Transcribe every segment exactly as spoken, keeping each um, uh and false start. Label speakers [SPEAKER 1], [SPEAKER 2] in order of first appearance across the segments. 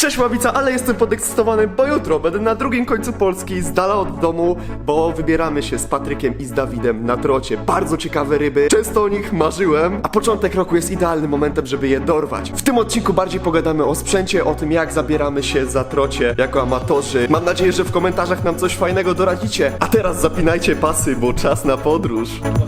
[SPEAKER 1] Cześć Ławica, ale jestem podekscytowany, bo jutro będę na drugim końcu Polski, z dala od domu, bo wybieramy się z Patrykiem i z Dawidem na trocie. Bardzo ciekawe ryby, często o nich marzyłem, a początek roku jest idealnym momentem, żeby je dorwać. W tym odcinku bardziej pogadamy o sprzęcie, o tym jak zabieramy się za trocie jako amatorzy. Mam nadzieję, że w komentarzach nam coś fajnego doradzicie. A teraz zapinajcie pasy, bo czas na podróż.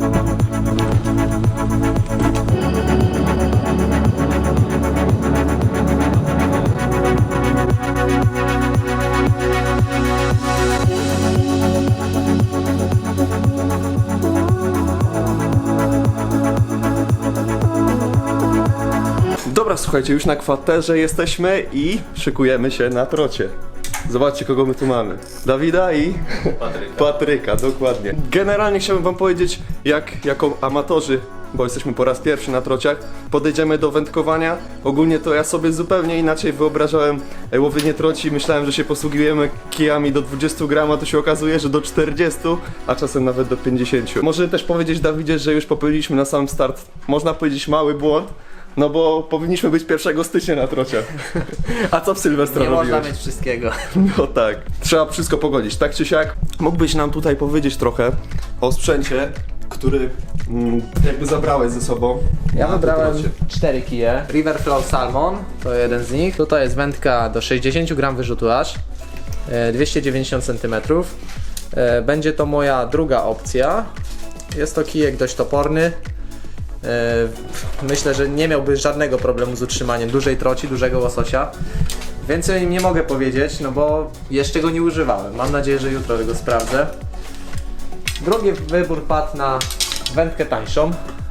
[SPEAKER 1] Dobra, słuchajcie, już na kwaterze jesteśmy i szykujemy się na trocie. Zobaczcie, kogo my tu mamy. Dawida i
[SPEAKER 2] Patryka.
[SPEAKER 1] Patryka, dokładnie. Generalnie chciałbym wam powiedzieć, jak jako amatorzy, bo jesteśmy po raz pierwszy na trociach, podejdziemy do wędkowania. Ogólnie to ja sobie zupełnie inaczej wyobrażałem łowienie troci. Myślałem, że się posługujemy kijami do dwudziestu gram, a to się okazuje, że do czterdziestu, a czasem nawet do pięćdziesięciu. Może też powiedzieć, Dawidzie, że już popełniliśmy na sam start, można powiedzieć, mały błąd. No bo powinniśmy być pierwszego stycznia na trocie. A co w Sylwestra
[SPEAKER 2] Nie
[SPEAKER 1] robiłeś?
[SPEAKER 2] można mieć wszystkiego.
[SPEAKER 1] No tak. Trzeba wszystko pogodzić, tak czy siak. Mógłbyś nam tutaj powiedzieć trochę o sprzęcie, który mm, jakby zabrałeś ze sobą.
[SPEAKER 2] Ja
[SPEAKER 1] na
[SPEAKER 2] wybrałem
[SPEAKER 1] trocie.
[SPEAKER 2] cztery kije. Riverflow Salmon to jeden z nich. Tutaj jest wędka do sześćdziesięciu gram wyrzutu aż, e, dwieście dziewięćdziesiąt centymetrów. E, będzie to moja druga opcja. Jest to kijek dość toporny. E, myślę, że nie miałby żadnego problemu z utrzymaniem dużej troci, dużego łososia. Więcej nie mogę powiedzieć, no bo jeszcze go nie używałem. Mam nadzieję, że jutro go sprawdzę. Drugi wybór padł na wędkę tańszą.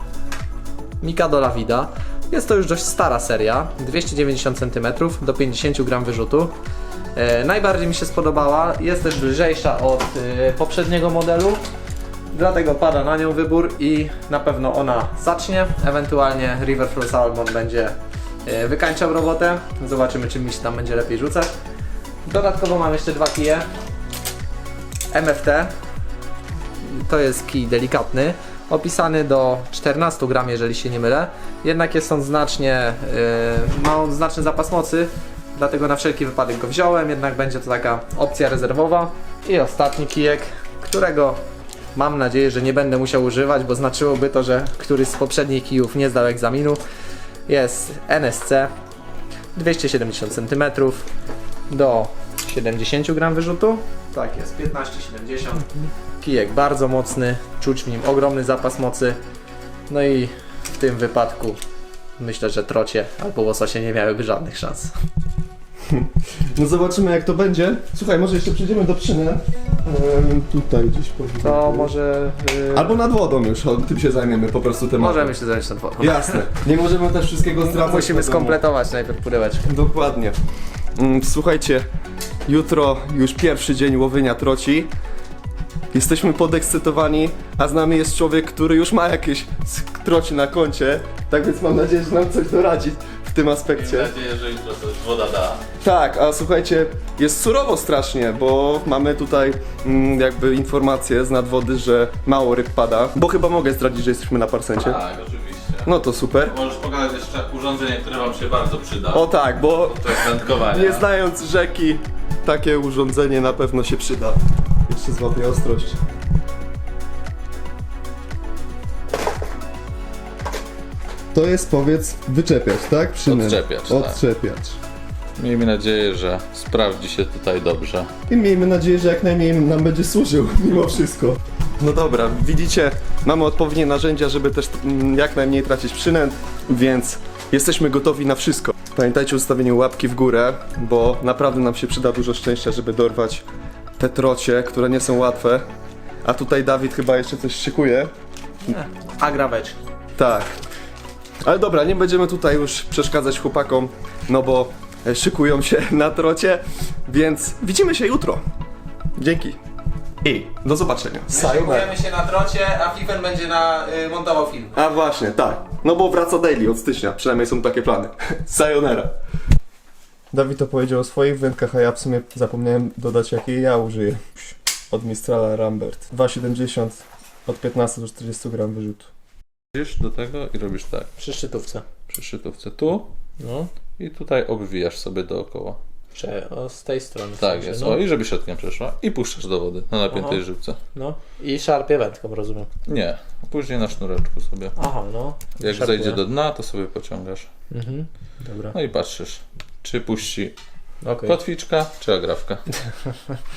[SPEAKER 2] Mikado Lavida. Jest to już dość stara seria, dwieście dziewięćdziesiąt centymetrów do pięćdziesięciu gram wyrzutu. E, najbardziej mi się spodobała, jest też lżejsza od e, poprzedniego modelu, dlatego pada na nią wybór i na pewno ona zacznie. Ewentualnie Riverflow Salmon będzie e, wykańczał robotę. Zobaczymy, czy mi się tam będzie lepiej rzucać. Dodatkowo mam jeszcze dwa kije. M F T. To jest kij delikatny, opisany do czternastu gram, jeżeli się nie mylę. Jednak jest on znacznie, yy, ma on znaczny zapas mocy, dlatego na wszelki wypadek go wziąłem, jednak będzie to taka opcja rezerwowa. I ostatni kijek, którego mam nadzieję, że nie będę musiał używać, bo znaczyłoby to, że któryś z poprzednich kijów nie zdał egzaminu. Jest N S C, dwieście siedemdziesiąt centymetrów do siedemdziesięciu gram wyrzutu. Tak jest, piętnaście siedemdziesiąt. Kijek bardzo mocny, czuć w nim ogromny zapas mocy. No i w tym wypadku myślę, że trocie albo łososie nie miałyby żadnych szans.
[SPEAKER 1] No zobaczymy, jak to będzie. Słuchaj, może jeszcze przejdziemy do przyny. Ehm, tutaj gdzieś powinien.
[SPEAKER 2] To może... Yy...
[SPEAKER 1] Albo nad wodą już, o, tym się zajmiemy po prostu tematem.
[SPEAKER 2] Możemy się zająć tą wodą.
[SPEAKER 1] Jasne. Nie możemy też wszystkiego zdradzać.
[SPEAKER 2] Musimy
[SPEAKER 1] na domu.
[SPEAKER 2] skompletować najpierw pudełeczko.
[SPEAKER 1] Dokładnie. Mm, Słuchajcie, jutro już pierwszy dzień łowienia troci. Jesteśmy podekscytowani, a z nami jest człowiek, który już ma jakieś troci na koncie. Tak więc mam nadzieję, że nam coś doradzi w tym aspekcie.
[SPEAKER 3] Mam nadzieję, że jutro coś woda da.
[SPEAKER 1] Tak, a słuchajcie, jest surowo strasznie, bo mamy tutaj mm, jakby informację z nadwody, że mało ryb pada. Bo chyba mogę zdradzić, że jesteśmy na parsencie.
[SPEAKER 3] Tak, oczywiście.
[SPEAKER 1] No to super.
[SPEAKER 3] Możesz pokazać jeszcze urządzenie, które wam się bardzo przyda.
[SPEAKER 1] O tak, bo
[SPEAKER 3] To wędkowanie.
[SPEAKER 1] nie znając rzeki, takie urządzenie na pewno się przyda. Jeszcze złapię ostrość. To jest, powiedz, wyczepiać, tak? Przynęt.
[SPEAKER 3] Odczepiacz, tak.
[SPEAKER 1] Odczepiacz.
[SPEAKER 3] Miejmy nadzieję, że sprawdzi się tutaj dobrze.
[SPEAKER 1] I miejmy nadzieję, że jak najmniej nam będzie służył, mimo wszystko. No dobra, widzicie, mamy odpowiednie narzędzia, żeby też mm, jak najmniej tracić przynęt, więc jesteśmy gotowi na wszystko. Pamiętajcie o ustawieniu łapki w górę, bo naprawdę nam się przyda dużo szczęścia, żeby dorwać te trocie, które nie są łatwe. A tutaj Dawid chyba jeszcze coś szykuje.
[SPEAKER 2] Agrawecz.
[SPEAKER 1] Tak. Ale dobra, nie będziemy tutaj już przeszkadzać chłopakom, no bo e, szykują się na trocie, więc widzimy się jutro. Dzięki. I do zobaczenia.
[SPEAKER 2] Szykujemy się na trocie, a Fifer będzie na, y, montował film.
[SPEAKER 1] A właśnie, tak. No bo wraca daily od stycznia, przynajmniej są takie plany. Sayonara. Dawid to powiedział o swoich wędkach, a ja w sumie zapomniałem dodać, jakiej ja użyję. Od Mistrala Rambert. dwa siedemdziesiąt od piętnastu do czterdziestu gram wyrzutu.
[SPEAKER 3] Idziesz do tego i robisz tak.
[SPEAKER 2] Przy szczytówce.
[SPEAKER 3] Przy szczytówce tu
[SPEAKER 2] No.
[SPEAKER 3] i tutaj obwijasz sobie dookoła.
[SPEAKER 2] Czy o, z tej strony. w
[SPEAKER 3] Tak
[SPEAKER 2] sensie,
[SPEAKER 3] jest.
[SPEAKER 2] no.
[SPEAKER 3] O, i żeby siatka przeszła. I puszczasz do wody na napiętej
[SPEAKER 2] Aha.
[SPEAKER 3] żywce.
[SPEAKER 2] No i szarpie wędką, rozumiem.
[SPEAKER 3] Nie, później na sznureczku sobie.
[SPEAKER 2] Aha, no.
[SPEAKER 3] Jak
[SPEAKER 2] Szarpie.
[SPEAKER 3] zejdzie do dna, to sobie pociągasz.
[SPEAKER 2] Mhm. Dobra.
[SPEAKER 3] No i patrzysz, czy puści
[SPEAKER 2] Okej.
[SPEAKER 3] kotwiczka, czy agrawka.